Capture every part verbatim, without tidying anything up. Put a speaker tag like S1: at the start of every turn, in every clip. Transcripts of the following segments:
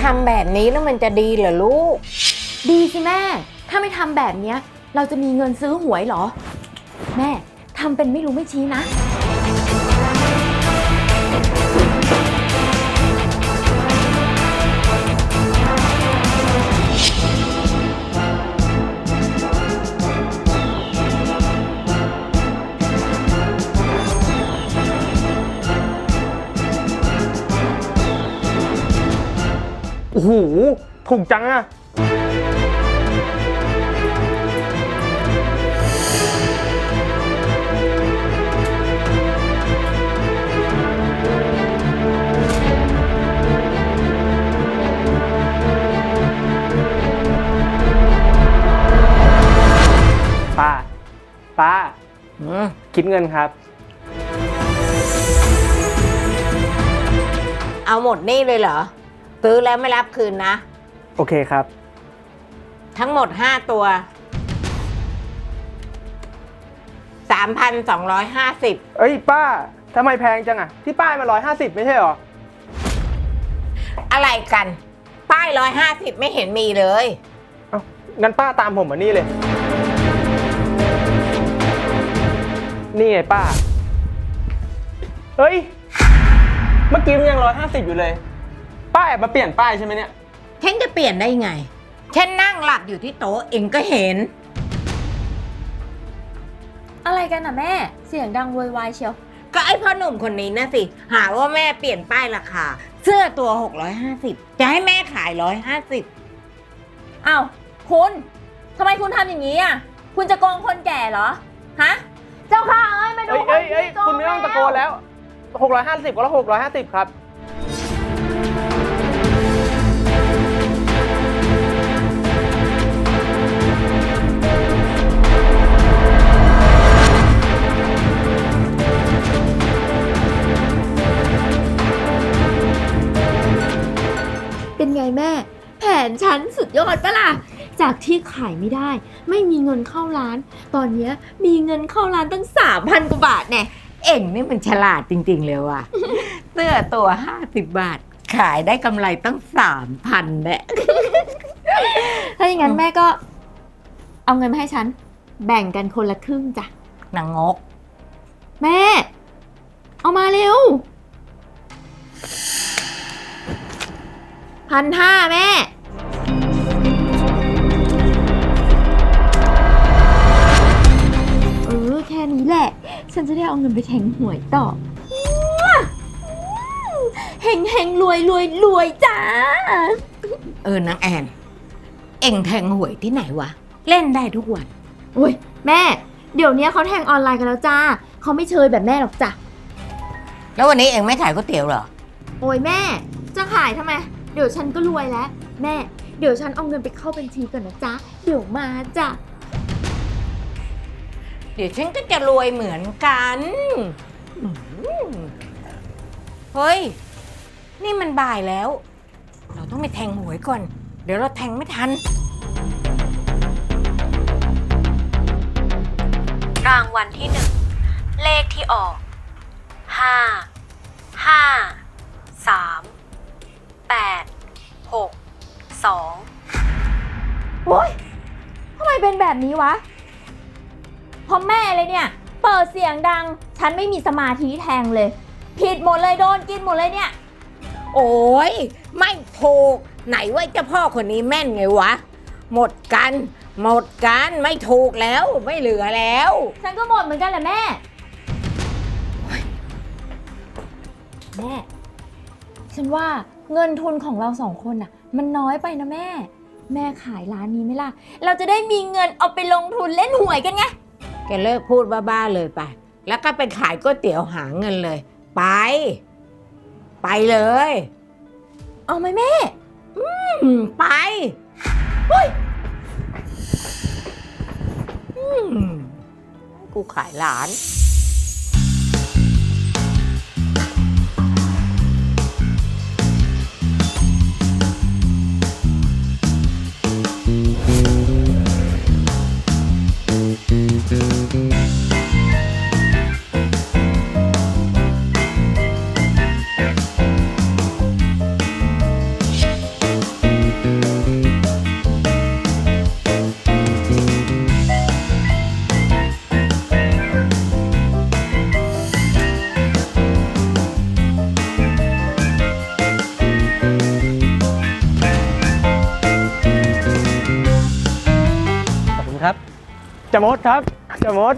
S1: ำแบบนี้แล้วมันจะดีเหรอลูก
S2: ดีสิแม่ถ้าไม่ทำแบบเนี้ยเราจะมีเงินซื้อหวยเหรอแม่ทำเป็นไม่รู้ไม่ชี้นะ
S3: โอ้โหถูกจังอะป้าป้าคิดเงินครับ
S1: เอาหมดนี่เลยเหรอซื้อแล้วไม่รับคืนนะ
S3: โอเคครับ
S1: ทั้งหมดห้าตัว สามพันสองร้อยห้าสิบ
S3: เอ้ยป้าทำไมแพงจังอะที่ป้ายมาร้อยห้าสิบไม่ใช่หรอ
S1: อะไรกันป้ายร้อยห้าสิบไม่เห็นมีเลย
S3: เอ้างั้นป้าตามผมมานี่เลยนี่ไงป้าเฮ้ยเมื่อกี้มันยังร้อยห้าสิบอยู่เลยป้าแอบมาเปลี่ยนป้ายใช่ไหมเนี่ย
S1: ฉันจะเปลี่ยนได้ไงฉันนั่งหลับอยู่ที่โต๊ะเองก็เห็น
S2: อะไรกันน่ะแม่เสียงดังโวยวายเชียว
S1: ก็ไอ้พ่อหนุ่มคนนี้นะสิหาว่าแม่เปลี่ยนป้ายราคาเสื้อตัวหกร้อยห้าสิบจะให้แม่ขายหนึ่งร้อยห้าสิบ
S2: อ้าวคุณทำไมคุณทำอย่างนี้อ่ะคุณจะโกงคนแก่เหรอฮะเจ้าค่ะเอ้ยมาดูคนที่โกง
S3: คุณไม่ต้องตะโกนแล้วหกร้อยห้าสิบก็แล้วหกร้อยห้าสิบครับ
S2: เป็นไงแม่แผนฉันสุดยอดปะล่ะจากที่ขายไม่ได้ไม่มีเงินเข้าร้านตอนนี้มีเงินเข้าร้านตั้ง สามพัน กว่าบาทแน่
S1: เอ็งนี่มันฉลาดจริงๆเลยว่ะ เสื้อตัวห้าสิบบาทขายได้กำไรตั้ง สามพัน แน่
S2: ถ้าอย่างนั้นแม่ก็เอาเงินมาให้ฉันแบ่งกันคนละครึ่งจ้ะ
S1: นางงก
S2: แม่เอามาเร็วพันห้าแม่เออแค่นี้แหละฉันจะได้เอาเงินไปแทงหวยต่อเฮงเฮงรวยรวยรวยจ้า
S1: เออนางแอนเอ็งแทงหวยที่ไหนวะเล่นได้ทุกวัน
S2: โอ้ยแม่เดี๋ยวนี้เขาแทงออนไลน์กันแล้วจ้าเขาไม่เชยแบบแม่หรอกจ้ะ
S1: แล้ววันนี้เอ็งไม่ขายก๋วยเตี๋ยวเหรอ
S2: โอ้ยแม่จะขายทำไมเดี๋ยวฉันก็รวยแล้วแม่เดี๋ยวฉันเอาเงินไปเข้าบัญชีก่อนนะจ๊ะเดี๋ยวมาจ้ะ
S1: เดี๋ยวฉันก็จะรวยเหมือนกันเฮ้ยนี่มันบ่ายแล้วเราต้องไปแทงหวยก่อนเดี๋ยวเราแทงไม่ทัน
S4: รางวัลที่หนึ่งเลขที่ออกห้าห้าสามแปดหกสอง
S2: โอ๊ยทำไมเป็นแบบนี้วะเพราะแม่เลยเนี่ยเปิดเสียงดังฉันไม่มีสมาธิแทงเลยผิดหมดเลยโดนกินหมดเลยเนี่ย
S1: โอ้ยไม่ถูกไหนว่าเจ้าพ่อคนนี้แม่นไงวะหมดกันหมดกันไม่ถูกแล้วไม่เหลือแล้ว
S2: ฉันก็หมดเหมือนกันแหละแม่แม่ฉันว่าเงินทุนของเราสองคนน่ะมันน้อยไปนะแม่แม่ขายร้านนี้ไหมล่ะเราจะได้มีเงินเอาไปลงทุนเล่นหวยกันไง
S1: แกเลิกพูดบ้าๆเลยไปแล้วก็ไปขายก๋วยเตี๋ยวหาเงินเลยไปไปเลย
S2: เอาไหมแม่
S1: อืมไปเฮ้ยอืมกูขายร้าน
S3: จะมดครับจะมด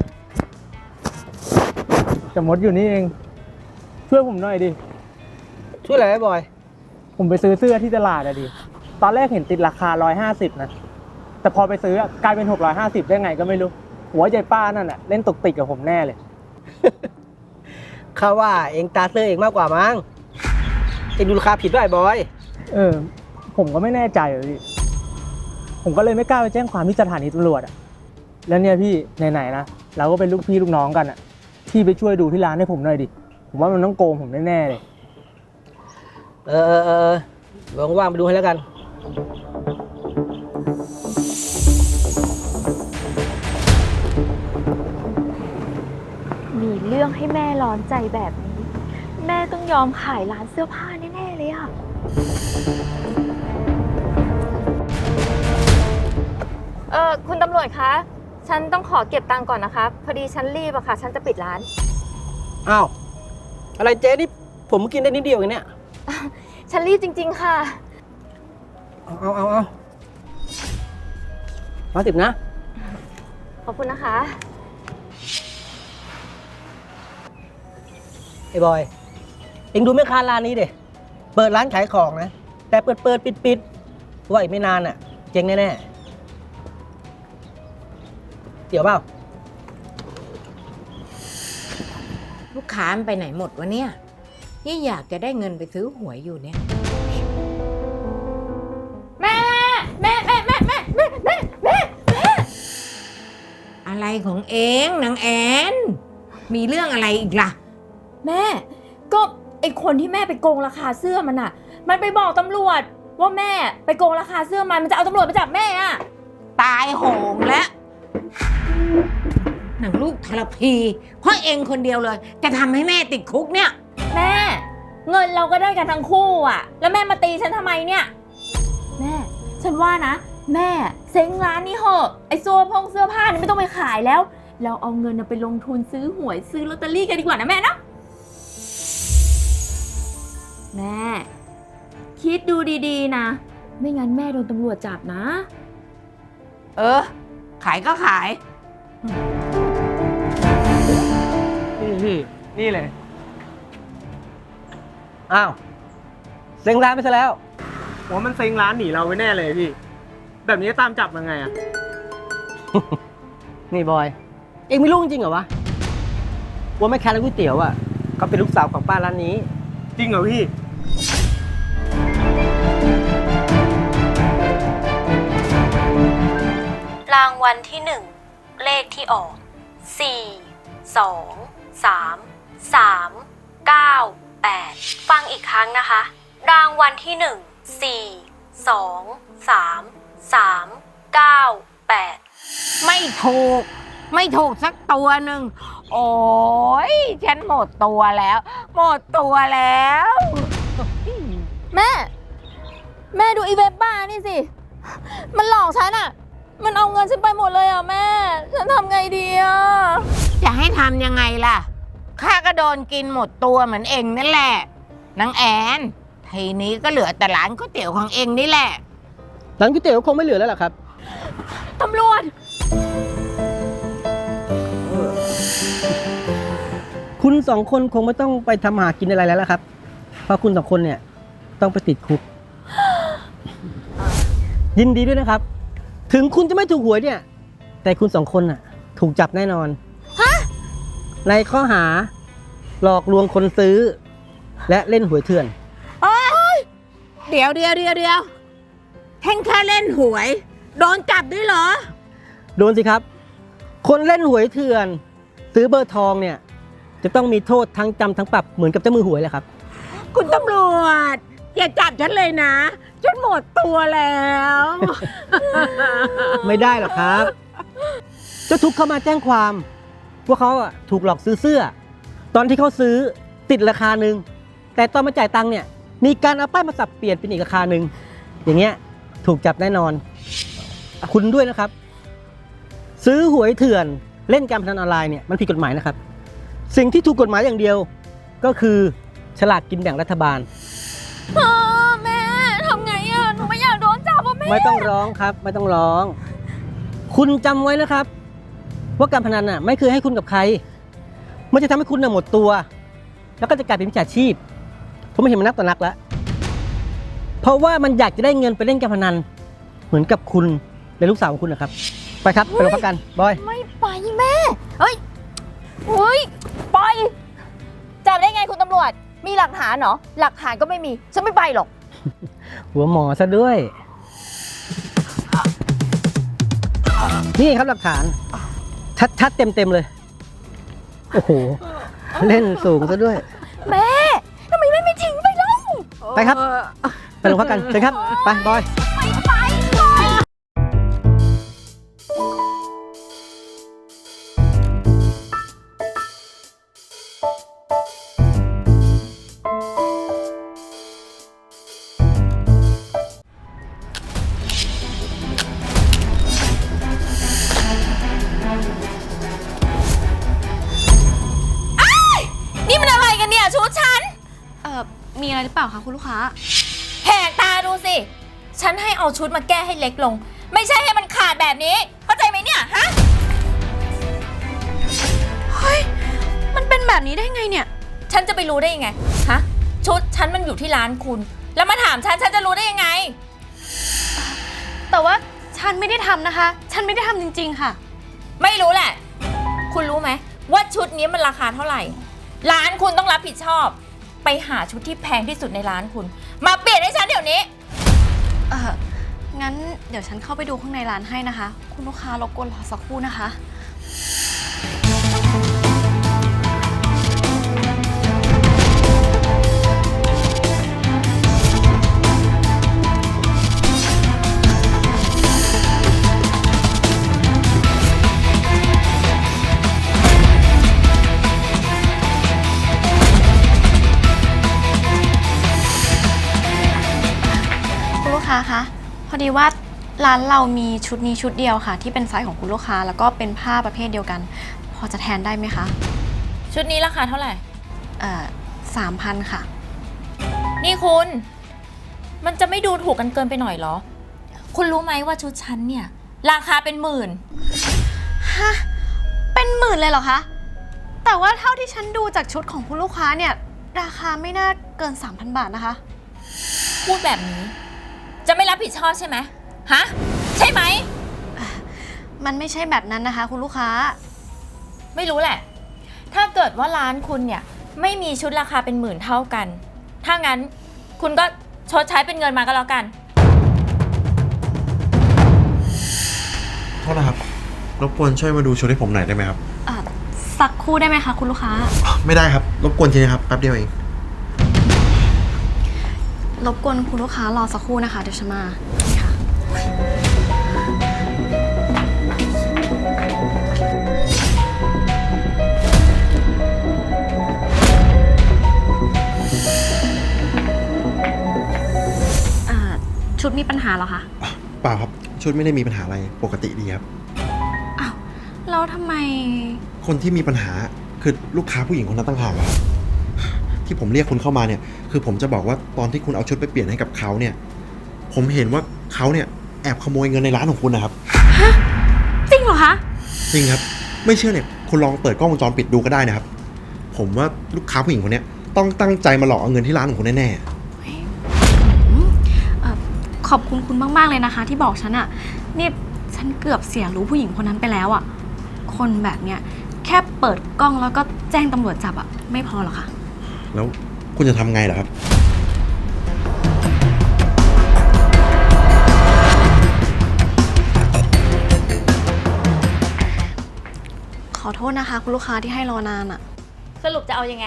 S3: จะมดอยู่นี่เองช่วยผมหน่อยดิ
S5: ช่วยอะไรไอ้บอย
S3: ผมไปซื้อเสื้อที่ตลาดอะดิตอนแรกเห็นติดราคาร้อยห้าสิบนะแต่พอไปซื้อกลายเป็นหกร้อยห้าสิบได้ไงก็ไม่รู้หัวใจป้านั่นอะเล่นตกติกกับผมแน่เลย
S5: ข้าว่าเองตาเสื้อเองมากกว่ามั้งเองดูราคาผิดด้วยไอ้บอย
S3: เออ ผมก็ไม่แน่ใจเลยพี่ผมก็เลยไม่กล้าไปแจ้งความที่สถานีตำรวจอะแล้วเนี่ยพี่ไหนๆนะเราก็เป็นลูกพี่ลูกน้องกันอะพี่ไปช่วยดูที่ร้านให้ผมหน่อยดิผมว่ามันต้องโกงผมแน่ๆเลย
S5: เออเออเออเดี๋ยวว่างๆไปดูให้แล้วกัน
S2: มีเรื่องให้แม่ร้อนใจแบบนี้ แม่ต้องยอมขายร้านเสื้อผ้าแน่ๆเลยอะเออคุณตำรวจคะ ฉันต้องขอเก็บตังค์ก่อนนะคะพอดีฉันรีบอะค่ะ ฉันจะปิดร้าน
S5: อ้าว อะไรเจ๊นี่ผมกินได้นิดเดียวเองเนี่ย
S2: ฉันรีบจริงๆค่ะ
S5: เอาเอาเอาเอาร้อยสิบนะ
S2: ขอบคุณนะคะ
S5: ไอ้บอย เอ็งดูแม่ค้าร้านนี้เด็เปิดร้านขายของนะ แต่เปิดเปิดปิดปิดว่าอีกไม่นานอ่ะ เจ๊งแน่ๆ เดี๋ยวเปล่า
S1: ลูกค้ามันไปไหนหมดวะเนี่ยยี่อยากจะได้เงินไปซื้อหวยอยู่เนี่ย
S2: แม่ แม่แม่แม่แม่แม่แม่แม่แม่
S1: อะไรของเองนางแอนมีเรื่องอะไรอีกล่ะ
S2: แม่ ก็ไอคนที่แม่ไปโกงราคาเสื้อมันอะมันไปบอกตำรวจว่าแม่ไปโกงราคาเสื้อมันมันจะเอาตำรวจไปจับแม่อะ
S1: ตายโหงแล้วหนังลูกทรพีเพราะเองคนเดียวเลย จะทำให้แม่ติดคุกเนี่ย
S2: แม่ เงินเราก็ได้กันทั้งคู่อะแล้วแม่มาตีฉันทำไมเนี่ยแม่ ฉันว่านะ แม่เซ้งร้านนี้เหอะไอเสื้อพงเสื้อผ้านี่ไม่ต้องไปขายแล้ว เราเอาเงินน่ะไปลงทุนซื้อหวยซื้อลอตเตอรี่กันดีกว่านะแม่เนาะแม่ คิดดูดีๆนะ ไม่งั้นแม่โดนตำรวจจับนะ
S1: เออ ขายก็ขาย
S3: นี่พี่นี่เลย
S5: อ้าวเซ็งร้านไปซะแล้ว
S3: ผมว่ามันเซ็งร้านหนีเราไว้แน่เลยพี่แบบนี้จะตามจับยังไงอะ
S5: นี่บอย เอ็งไม่รู้จริงเหรอวะ ว่าแม่ค้าร้านก๋วยเตี๋ยวอ่ะเขาเป็นลูกสาวของป้าร้านนี้
S3: จริงเหรอพี่
S4: รางวัลที่หนึ่งเลขที่ออกสี่สองสามสามเก้าแปดฟังอีกครั้งนะคะ รางวัลที่หนึ่งสี่สองสามสามเก้าแปด
S1: ไม่ถูก ไม่ถูกสักตัวหนึ่งโอ้ยฉันหมดตัวแล้ว หมดตัวแล้ว
S2: แม่ แม่ดูอีเว็บบ้านี่สิ มันหลอกฉันอะมันเอาเงินฉันไปหมดเลยอะแม่ ฉันทำไงดีอะ
S1: จะให้ทำยังไงล่ะข้าก็โดนกินหมดตัวเหมือนเองนั่นแหละนางแอนทีนี้ก็เหลือแต่ร้านก๋วยเตี๋ยวของเองนี่แหละ
S5: ร้านก๋วยเตี๋ยวคงไม่เหลือแล้วล่ะครับ
S2: ตำรวจ
S5: คุณสองคนคงไม่ต้องไปทำหากินอะไรแล้วล่ะครับ เพราะคุณสองคนเนี่ยต้องไปติดคุก ยินดีด้วยนะครับ ถึงคุณจะไม่ถูกหวยเนี่ย แต่คุณสองคนน่ะ ถูกจับแน่นอน ในข้อหา หลอกลวงคนซื้อ และเล่นหวยเถื่อน
S1: เดี๋ยวเดียวเดียวเดียวแค่แค่เล่นหวย โดนจับด้วยเหรอ
S5: โดนสิครับ คนเล่นหวยเถื่อน ซื้อเบอร์ทองเนี่ย จะต้องมีโทษทั้งจำทั้งปรับเหมือนกับเจ้ามือหวยเลยครับ
S1: คุณตำรวจอย่าจับฉันเลยนะฉันหมดตัวแล้ว
S5: ไม่ได้หรอกครับเจ้าทุกข์เข้ามาแจ้งความว่าเขาอะถูกหลอกซื้อเสื้อ ตอนที่เขาซื้อติดราคาหนึ่งแต่ตอนมาจ่ายตังค์เนี่ยมีการเอาป้ายมาสับเปลี่ยนเป็นอีกราคาหนึ่งอย่างเงี้ยถูกจับแน่นอน คุณด้วยนะครับ ซื้อหวยเถื่อนเล่นการพนันออนไลน์เนี่ยมันผิดกฎหมายนะครับ สิ่งที่ถูกกฎหมายอย่างเดียว ก็คือฉลากกินแบ่งรัฐบาล
S2: พ่อแม่ทำไงอะหนูไม่อยากโดนจับอ่ะแม่
S5: ไม่ต้องร้องครับ ไม่ต้องร้อง คุณจำไว้นะครับว่าการพนันน่ะไม่เคยให้คุณกับใคร มันจะทำให้คุณน่ะหมดตัว แล้วก็จะกลายเป็นมิจฉาชีพ ผมไม่เห็นมันนักต่อนักแล้ว เพราะว่ามันอยากจะได้เงินไปเล่นการพนัน เหมือนกับคุณและลูกสาวของคุณนะครับ ไปครับ ไปโรงพักกัน บอย
S2: ไม่ไปแม่ เฮ้ยเฮ้ยไปจับได้ไงคุณตำรวจ มีหลักฐานเหรอ หลักฐานก็ไม่มี ฉันไม่ไปหรอก
S5: หัวหมอซะด้วย นี่ครับหลักฐาน ชัดๆเต็มๆเลย โอ้โห เล่นสูงซะด้วย
S2: แม่ทำไมแม่ไม่ทิ้งไปเล่า
S5: ไปครับ ไปโรงพักกันเชิญครับ ไป บอย
S2: ไม่ไปเลย นี่มันอะไรกันเนี่ยชุดฉัน
S4: เอ่อ มีอะไรหรือเปล่าคะคุณลูกค้า
S2: แหกตาดูสิ ฉันให้เอาชุดมาแก้ให้เล็กลง ไม่ใช่ให้มันขาดแบบนี้ เข้าใจไหมเนี่ยฮะ
S4: เฮ้ย มันเป็นแบบนี้ได้ไงเนี่ย
S2: ฉันจะไปรู้ได้ยังไง ฮะ ชุดฉันมันอยู่ที่ร้านคุณ แล้วมาถามฉัน ฉันจะรู้ได้ยังไง
S4: แต่ว่าฉันไม่ได้ทำนะคะ ฉันไม่ได้ทำจริงๆค่ะ
S2: ไม่รู้แหละ คุณรู้ไหมว่าชุดนี้มันราคาเท่าไหร่ ร้านคุณต้องรับผิดชอบ ไปหาชุดที่แพงที่สุดในร้านคุณ มาเปลี่ยนให้ฉันเดี๋ยวนี้
S4: เอองั้นเดี๋ยวฉันเข้าไปดูข้างในร้านให้นะคะ คุณลูกค้ารบกวนรอสักครู่นะคะ คุณลูกค้าคะพอดีว่าร้านเรามีชุดนี้ชุดเดียวค่ะ ที่เป็นไซส์ของคุณลูกค้าแล้วก็เป็นผ้าประเภทเดียวกัน พอจะแทนได้ไหมคะ
S2: ชุดนี้ราคาเท่าไหร่
S4: เอ่อสามพันค่ะ
S2: นี่คุณ มันจะไม่ดูถูกกันเกินไปหน่อยเหรอ คุณรู้ไหมว่าชุดฉันเนี่ย ราคาเป็นหมื่น
S4: ฮะ เป็นหมื่นเลยเหรอคะ แต่ว่าเท่าที่ฉันดูจากชุดของคุณลูกค้าเนี่ย ราคาไม่น่าเกิน สามพัน บาทนะคะ
S2: พูดแบบนี้ จะไม่รับผิดชอบใช่ไหมฮะ ใช่ไหม
S4: มันไม่ใช่แบบนั้นนะคะ คุณลูกค้า
S2: ไม่รู้แหละ ถ้าเกิดว่าร้านคุณเนี่ย ไม่มีชุดราคาเป็นหมื่นเท่ากัน ถ้างั้นคุณก็ชดใช้เป็นเงินมาก็แล้วกัน
S6: โทษนะครับ รบกวนช่วยมาดูชุดให้ผมหน่อยได้ไหมครับ
S4: อ่ะสักครู่ได้ไหมคะคุณลูกค้า
S6: ไม่ได้ครับ รบกวนทีนะครับ แป๊บเดียวเอง
S4: รบกวนคุณลูกค้ารอสักครู่นะคะ เดี๋ยวฉันมานี่ค่ะ อ่า ชุดมีปัญหาเหรอคะ
S6: เปล่าครับ ชุดไม่ได้มีปัญหาอะไร ปกติดีครับ
S4: อ้าว แล้วทำไม
S6: คนที่มีปัญหาคือลูกค้าผู้หญิงคนนั้นต่างหากครับ ที่ผมเรียกคุณเข้ามาเนี่ย คือผมจะบอกว่าตอนที่คุณเอาชุดไปเปลี่ยนให้กับเขาเนี่ย ผมเห็นว่าเขาเนี่ยแอบขโมยเงินในร้านของคุณนะครับ
S4: จริงเหรอคะ
S6: จริงครับ ไม่เชื่อเนี่ย คุณลองเปิดกล้องวงจรปิดดูก็ได้นะครับ ผมว่าลูกค้าผู้หญิงคนเนี้ยต้องตั้งใจมาหลอกเอาเงินที่ร้านของคุณแน่ๆ
S4: เอ่อขอบคุณคุณมาก ๆ เลยนะคะ ที่บอกฉันอะนี่ฉันเกือบเสียรู้ผู้หญิงคนนั้นไปแล้วอะคนแบบเนี้ยแค่เปิดกล้องแล้วก็แจ้งตำรวจจับอะไม่พอหรอกค่ะ
S6: แล้วคุณจะทำไงเหรอครับ
S4: ขอโทษนะคะ คุณลูกค้าที่ให้รอนานอะ
S2: สรุปจะเอายังไง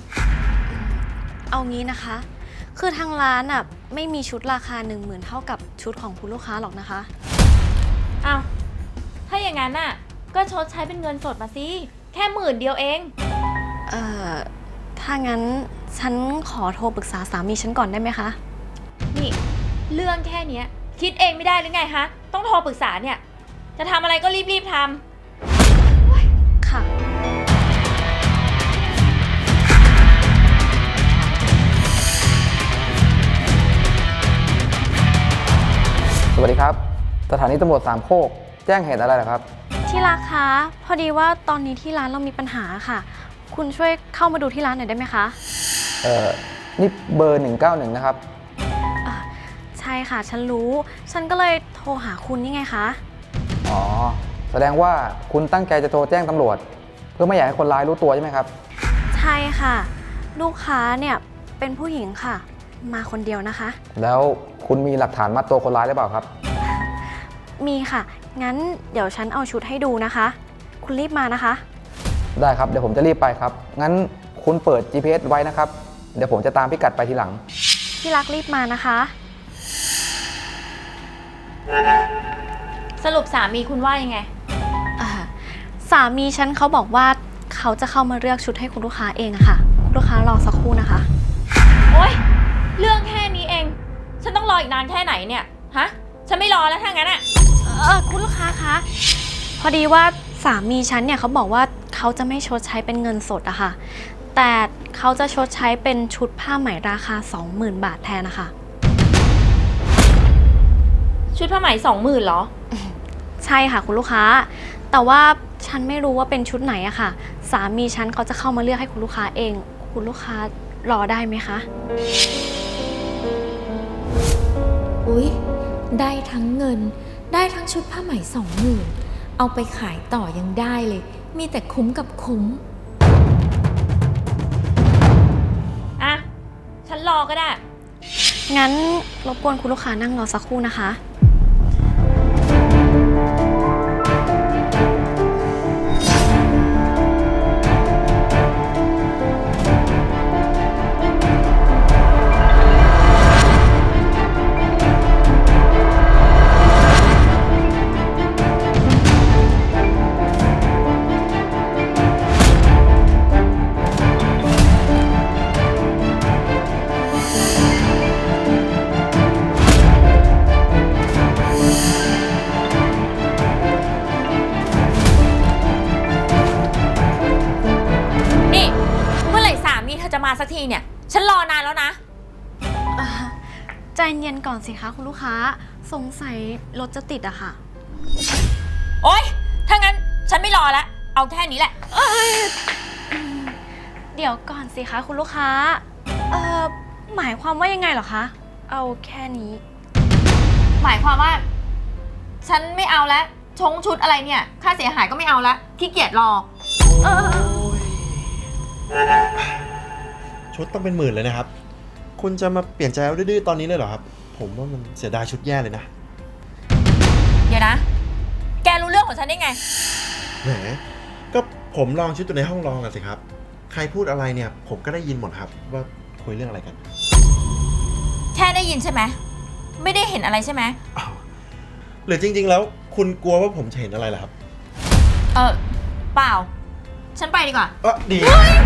S4: เอางี้นะคะ คือทางร้านอะไม่มีชุดราคาหนึ่งหมื่นเท่ากับชุดของคุณลูกค้าหรอกนะคะ
S2: อ้าว ถ้าอย่างนั้นน่ะ ก็ชดใช้เป็นเงินสดมาสิ แค่หมื่นเดียวเอง
S4: เอ่อ ถ้างั้นฉันขอโทรปรึกษาสามีฉันก่อนได้ไหมคะ
S2: นี่ เรื่องแค่เนี้ย คิดเองไม่ได้หรือไงฮะ ต้องโทรปรึกษาเนี่ย จะทำอะไรก็รีบๆทำ
S4: ค่ะ
S7: สวัสดีครับ สถานีตำรวจสามโคกแจ้งเหตุอะไรเหรอครับ
S4: ที่รักคะ พอดีว่าตอนนี้ที่ร้านเรามีปัญหาค่ะ คุณช่วยเข้ามาดูที่ร้านหน่อยได้ไหมคะ
S7: เอ่อ นี่เบอร์หนึ่งเก้าหนึ่งนะครับ
S4: อ่ะใช่ค่ะ ฉันรู้ ฉันก็เลยโทรหาคุณนี่ไงคะ
S7: อ๋อ แสดงว่าคุณตั้งใจจะโทรแจ้งตำรวจ เพื่อไม่อยากให้คนร้ายรู้ตัวใช่ไหมครับ
S4: ใช่ค่ะ ลูกค้าเนี่ยเป็นผู้หญิงค่ะ มาคนเดียวนะคะ
S7: แล้วคุณมีหลักฐานมัดตัวคนร้ายหรือเปล่าครับ
S4: มีค่ะ งั้นเดี๋ยวฉันเอาชุดให้ดูนะคะ คุณรีบมานะคะ
S7: ได้ครับ เดี๋ยวผมจะรีบไปครับ งั้นคุณเปิด จี พี เอส ไว้นะครับ เดี๋ยวผมจะตามพิกัดไปทีหลัง
S4: ที่รักรีบมานะคะ
S2: สรุปสามีคุณว่ายังไง
S4: อ่าสามีฉันเขาบอกว่าเขาจะเข้ามาเลือกชุดให้คุณลูกค้าเองอะค่ะ คุณลูกค้ารอสักครู่นะคะ
S2: โอ๊ย เรื่องแค่นี้เอง ฉันต้องรออีกนานแค่ไหนเนี่ย ฮะ ฉันไม่รอแล้วถ้างั้นอะ
S4: เออคุณลูกค้าคะ พอดีว่าสามีฉันเนี่ยเขาบอกว่าเขาจะไม่ชดใช้เป็นเงินสดอะค่ะ แต่เขาจะชดใช้เป็นชุดผ้าไหมราคา สองหมื่น บาทแทนนะคะ
S2: ชุดผ้าไหมสองหมื่นเหรอ
S4: ใช่ค่ะคุณลูกค้า แต่ว่าฉันไม่รู้ว่าเป็นชุดไหนอะค่ะ สามีฉันเขาจะเข้ามาเลือกให้คุณลูกค้าเอง คุณลูกค้ารอได้ไหมคะ
S8: อุ๊ย ได้ทั้งเงิน ได้ทั้งชุดผ้าไหมสองหมื่นเอาไปขายต่อยังได้เลย มีแต่คุ้มกับคุ้ม
S2: อ่ะ ฉันรอก็ได้
S4: งั้นรบกวนคุณลูกค้านั่งรอสักครู่นะคะ
S2: นี่ เมื่อไหร่สามีเธอจะมาสักทีเนี่ย ฉันรอนานแล้วนะ
S4: อ่าใจเย็นก่อนสิคะคุณลูกค้า สงสัยรถจะติดอะค่ะ
S2: โอ๊ย ถ้างั้นฉันไม่รอแล้ว เอาแค่นี้แหละ
S4: เดี๋ยวก่อนสิคะคุณลูกค้า เอ่อ หมายความว่ายังไงเหรอคะ เอาแค่นี้
S2: หมายความว่า ฉันไม่เอาแล้ว ชงชุดอะไรเนี่ย ค่าเสียหายก็ไม่เอาแล้ว ขี้เกียจรอ
S4: เออ
S6: ชุดต้องเป็นหมื่นเลยนะครับ คุณจะมาเปลี่ยนใจเอาดื้อๆตอนนี้เลยเหรอครับ ผมว่ามันเสียดายชุดแย่เลยนะ
S2: เดี๋ยวนะ แกรู้เรื่องของฉันได้ไง
S6: แหม ก็ผมลองชุดอยู่ในห้องลองอะสิครับ ใครพูดอะไรเนี่ย ผมก็ได้ยินหมดครับ ว่าคุยเรื่องอะไรกัน
S2: แค่ได้ยินใช่ไหม ไม่ได้เห็นอะไรใช่ไหม
S6: อ้าวหรือจริง ๆ แล้วคุณกลัวว่าผมจะเห็นอะไรล่ะครับ
S2: เออเปล่า ฉันไปดีกว่า
S6: เออดี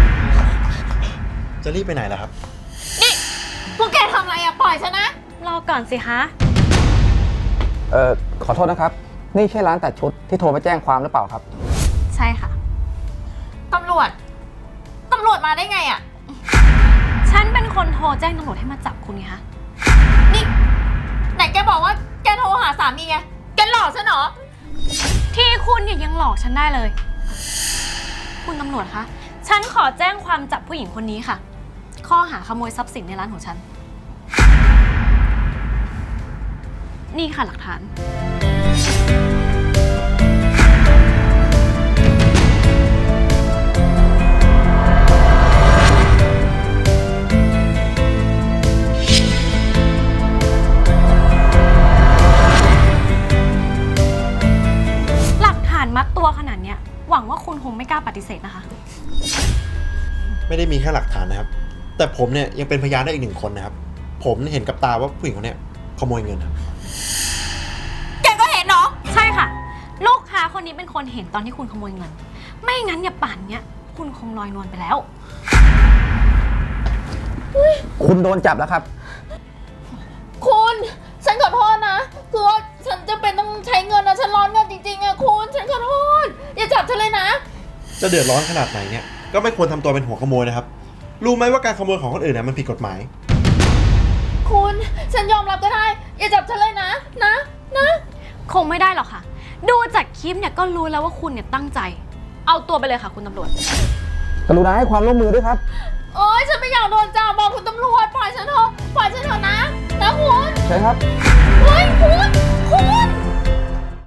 S6: จะรีบไปไหนล่ะครับ
S2: นี่พวกแกทำอะไรอะปล่อยฉันนะ
S4: รอก่อนสิคะ
S7: เอ่อ ขอโทษนะครับ นี่ใช่ร้านตัดชุดที่โทรไปแจ้งความหรือเปล่าครับ
S4: ใช่ค่ะ
S2: ตำรวจ ตำรวจมาได้ไงอะ
S4: ฉันเป็นคนโทรแจ้งตำรวจให้มาจับคุณไงคะ
S2: นี่ไหนแกบอกว่าแกโทรหาสามีไง แกหลอกฉันเหรอ
S4: ที่คุณเนี่ยยังหลอกฉันได้เลย คุณตำรวจคะ ฉันขอแจ้งความจับผู้หญิงคนนี้ค่ะ ข้อหาขโมยทรัพย์สินในร้านของฉัน นี่ค่ะหลักฐาน หลักฐานมัดตัวขนาดเนี้ย หวังว่าคุณคงไม่กล้าปฏิเสธนะคะ
S6: ไม่ได้มีแค่หลักฐานนะครับ แต่ผมเนี่ยยังเป็นพยานได้อีกหนึ่งคนนะครับ ผมเห็นกับตาว่าผู้หญิงคนเนี้ยขโมยเงินครับ
S2: แกก็เห็นเนาะ
S4: ใช่ค่ะ ลูกค้าคนนี้เป็นคนเห็นตอนที่คุณขโมยเงิน ไม่งั้นเนี่ยป่านเนี้ยคุณคงลอยนวลไปแล้ว
S7: คุณโดนจับแล้วครับ
S8: คุณ ฉันขอโทษนะ คือว่าฉันจะเป็นต้องใช้เงินนะ ฉันร้อนเงินจริงๆอะคุณ ฉันขอโทษ อย่าจับฉันเลยนะ
S6: จะเดือดร้อนขนาดไหนเนี่ย ก็ไม่ควรทำตัวเป็นหัวขโมยนะครับ รู้ไหมว่าการขโมยของคนอื่นเนี่ยมันผิดกฎหมาย
S8: คุณ ฉันยอมรับก็ได้ อย่าจับฉันเลยนะ นะ นะ
S4: คงไม่ได้หรอกค่ะดูจากคลิปเนี่ยก็รู้แล้วว่าคุณเนี่ยตั้งใจ เอาตัวไปเลยค่ะคุณตำรวจ
S7: กรุณาให้ความร่วมมือด้วยครับ
S2: โอ๊ยฉันไม่อยากโดนจับบอกคุณตำรวจปล่อยฉันเถอะปล่อยฉันเถอะนะนะคุณ
S7: ใช่ครับ
S2: เฮ้ยคุณคุณ